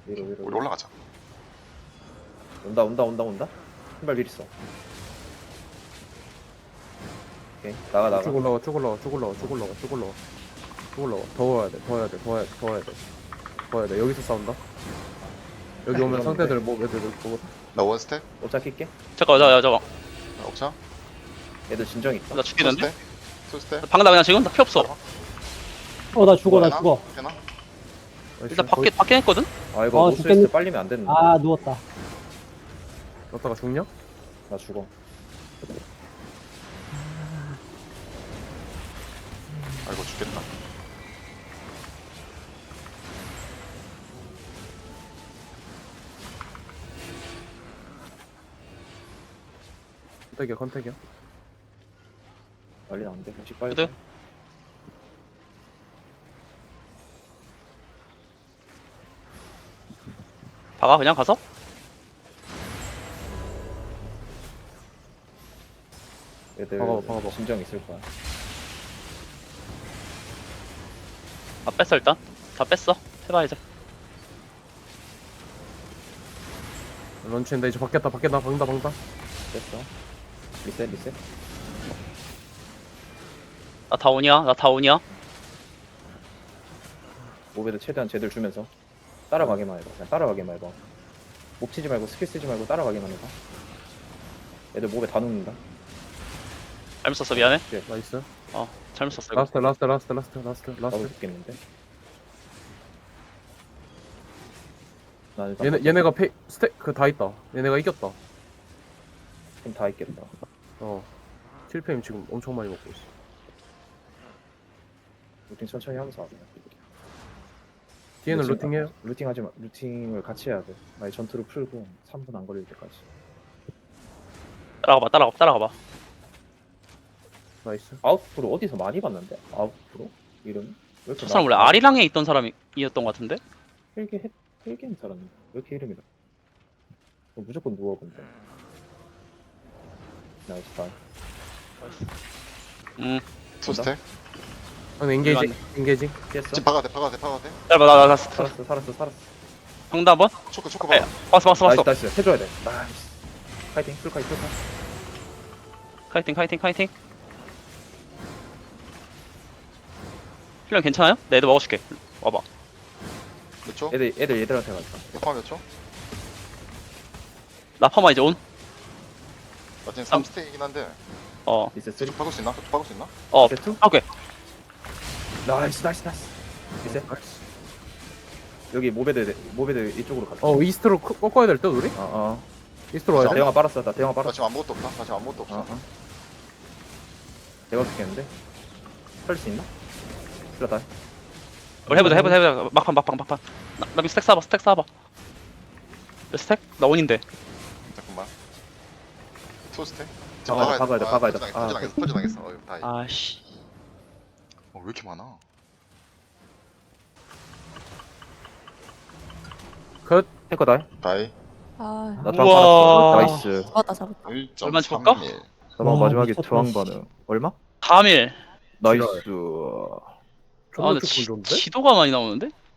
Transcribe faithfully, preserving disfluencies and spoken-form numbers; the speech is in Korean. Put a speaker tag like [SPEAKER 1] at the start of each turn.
[SPEAKER 1] 위로 위로.
[SPEAKER 2] 우리 올라가자.
[SPEAKER 1] 온다 온다 온다 온다. 신발 미리 써. 오케이 나가 나가.
[SPEAKER 3] 쭉 올라와 쭉 올라와 쭉 올라와 쭉 올라와 쭉 올라와 쭉 올라와 더 와야 돼더 와야 돼더 와야 돼더 와야 돼더 와야 돼 여기서 싸운다 여기 오면 상대들 뭐 애들 뭐
[SPEAKER 2] 나 원스텝.
[SPEAKER 1] 오차 킬게.
[SPEAKER 4] 잠깐 나 잠깐
[SPEAKER 2] 나 옥차.
[SPEAKER 1] 얘들 진정 있다.
[SPEAKER 4] 나 죽겠는데?
[SPEAKER 2] 투스텝.
[SPEAKER 4] 방금 나 그냥 지금 나 피 없어.
[SPEAKER 5] 어, 나 죽어, 나
[SPEAKER 2] 되나?
[SPEAKER 5] 죽어.
[SPEAKER 2] 되나?
[SPEAKER 4] 일단 밖에 밖에 했거든.
[SPEAKER 1] 아 이거
[SPEAKER 5] 어,
[SPEAKER 1] 노스웨스트
[SPEAKER 5] 죽겠네.
[SPEAKER 1] 빨리면 안 되는데.
[SPEAKER 5] 아, 누웠다.
[SPEAKER 3] 넣다가 죽냐?
[SPEAKER 1] 나 죽어.
[SPEAKER 2] 아이고 죽겠다.
[SPEAKER 3] 컨택이야 컨택이야
[SPEAKER 1] 빨리 안 돼. 혹시 빨리.
[SPEAKER 4] 그래? 박아 그냥 가서.
[SPEAKER 1] 얘들
[SPEAKER 3] 박아봐, 박아봐.
[SPEAKER 1] 진정 있을 거야.
[SPEAKER 4] 다 뺐어 일단. 다 뺐어. 해봐 이제.
[SPEAKER 3] 런치인데 이제 바뀌었다 바뀌었다 박는다 박는다
[SPEAKER 1] 됐어. 리셋 리셋.
[SPEAKER 4] 나 다운이야. 나 다운이야.
[SPEAKER 1] 모베드 최대한 제들 주면서 따라가기만 해봐. 그냥 따라가기만 해봐. 목 치지 말고 스킬 쓰지 말고 따라가기만 해봐. 애들 목에 다 눕는다.
[SPEAKER 4] 잘못 썼어 미안해.
[SPEAKER 3] 나이스
[SPEAKER 4] 어 잘못 썼어 이거.
[SPEAKER 3] 라스트 라스트 라스트 라스트 라스트
[SPEAKER 1] 나도
[SPEAKER 3] 라스트
[SPEAKER 1] 죽겠는데. 나 일단
[SPEAKER 3] 얘네 얘네가 페 스택 그 다 있다 얘네가 이겼다
[SPEAKER 1] 다 있겠다.
[SPEAKER 3] 어 칠 페임 지금 엄청 많이 먹고 있어
[SPEAKER 1] 루팅 천천히 하면서 하자.
[SPEAKER 3] 뒤에는
[SPEAKER 1] 루팅
[SPEAKER 3] 루팅해요
[SPEAKER 1] 루팅 하지 마. 루팅을 같이 해야 돼. 아니 전투를 풀고 삼 분 안 걸릴 때까지.
[SPEAKER 4] 따라가봐 따라가 따라가봐.
[SPEAKER 3] 나이스
[SPEAKER 1] 아웃프로 어디서 많이 봤는데? 아웃프로? 이름이? 왜 이렇게
[SPEAKER 4] 저 사람 원래
[SPEAKER 1] 많아?
[SPEAKER 4] 아리랑에 있던 사람이었던 것 같은데.
[SPEAKER 1] 헬게 헬- 헬게임 사람이 왜 이렇게 이름이 나? 너 무조건 누워 근데. 나이스 다.
[SPEAKER 4] 음.
[SPEAKER 2] 투스텝.
[SPEAKER 3] 아니 엔게이징 엔게이징
[SPEAKER 1] 피했어?
[SPEAKER 2] 지금 박아야 돼. 박아야 돼. 박아야 돼.
[SPEAKER 4] 짧아 나나 나.
[SPEAKER 1] 살았어 살았어 살았어.
[SPEAKER 4] 방다 한번.
[SPEAKER 2] 초크 초크
[SPEAKER 4] 에
[SPEAKER 2] 박아.
[SPEAKER 4] 봤어 봤어
[SPEAKER 1] 나이스
[SPEAKER 4] 봤어.
[SPEAKER 1] 나이스 해줘야 돼. 나이스. 파이팅 풀카이 풀카.
[SPEAKER 4] 카이팅 카이팅 카이팅. 필름 괜찮아요? 내 애들 먹어줄게. 와봐.
[SPEAKER 2] 몇 초?
[SPEAKER 1] 애들 애들 얘들한테 갔다.
[SPEAKER 2] 역파 몇 초?
[SPEAKER 4] 라파마 이제 온.
[SPEAKER 2] 나 지금 삼 스택이긴 한데.
[SPEAKER 4] 어.
[SPEAKER 1] 리셋 쓰리.
[SPEAKER 2] 쭉 박을 수 있나? 쭉 박을 수 있나?
[SPEAKER 4] 어.
[SPEAKER 1] 리셋 투.
[SPEAKER 4] 오케이.
[SPEAKER 1] 나이스 나이스 나이스. 리셋. 여기 모베드 모베드 이쪽으로 갔다.
[SPEAKER 3] 어 이스트로 크- 꺾어야 될 듯 우리?
[SPEAKER 1] 어 어.
[SPEAKER 3] 이스트로 와야
[SPEAKER 1] 나
[SPEAKER 3] 돼?
[SPEAKER 1] 대형아 빨았어. 나 대형아
[SPEAKER 2] 나
[SPEAKER 1] 빨았어.
[SPEAKER 2] 지금 아무것도 없다. 나 지금 아무것도 없어.
[SPEAKER 1] 어 어. 대박 죽겠는데? 살릴 수 있나? 슬라다.
[SPEAKER 4] 우리 해보자 해보자 해보자. 막판 막판 막판. 나, 나 스택 쏴봐 스택 쏴봐. 몇 스택? 나 원인데.
[SPEAKER 2] 잠깐만. 투스텝.
[SPEAKER 1] 박아야 돼, 박아야 돼, 박아야 돼.
[SPEAKER 2] 터져
[SPEAKER 1] 아,
[SPEAKER 2] 당했어. 터져 당했어. 어이 다이. 어,
[SPEAKER 4] 아씨.
[SPEAKER 2] 왜 이렇게 많아?
[SPEAKER 3] 컷
[SPEAKER 1] 해커 다이.
[SPEAKER 2] 다이.
[SPEAKER 6] 아,
[SPEAKER 1] 나 저항
[SPEAKER 4] 우와.
[SPEAKER 1] 받았어. 나이스.
[SPEAKER 6] 잡았다, 잡았다.
[SPEAKER 4] 얼마 줄까?
[SPEAKER 2] 일 점 삼일.
[SPEAKER 1] 저방
[SPEAKER 5] 와,
[SPEAKER 1] 마지막에
[SPEAKER 5] 미쳤다,
[SPEAKER 1] 저항
[SPEAKER 5] 씨.
[SPEAKER 1] 반응. 얼마?
[SPEAKER 4] 삼일.
[SPEAKER 1] 나이스.
[SPEAKER 3] 존나
[SPEAKER 4] 아 근데
[SPEAKER 3] 조금
[SPEAKER 4] 지,
[SPEAKER 3] 좋은데?
[SPEAKER 4] 지도가 많이 나오는데?